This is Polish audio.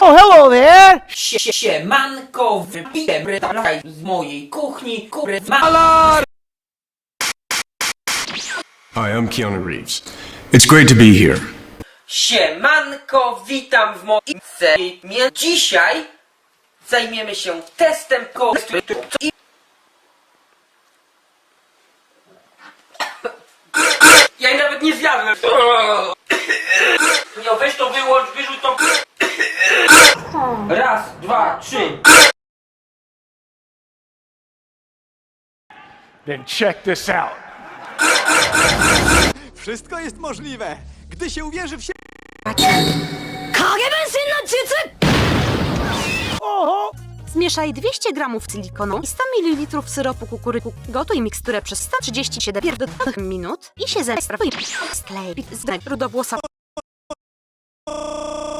Oh, hello there! Siemanko, wypiję z mojej kuchni, Hi, I'm Keanu Reeves. It's great to be here. Siemanko, witam w moim cenie. Dzisiaj zajmiemy się testem i... Ja jej nawet nie zjadłem. No weź to wyłącz, wyrzuć to. Raz, dwa, trzy. Then check this out. Wszystko jest możliwe, gdy się uwierzy w siebie. Zmieszaj 200 gramów silikonu i 100 ml syropu kukuryku. Gotuj miksturę przez 137 minut i się zestrawuj. Sklej z rudowłosa.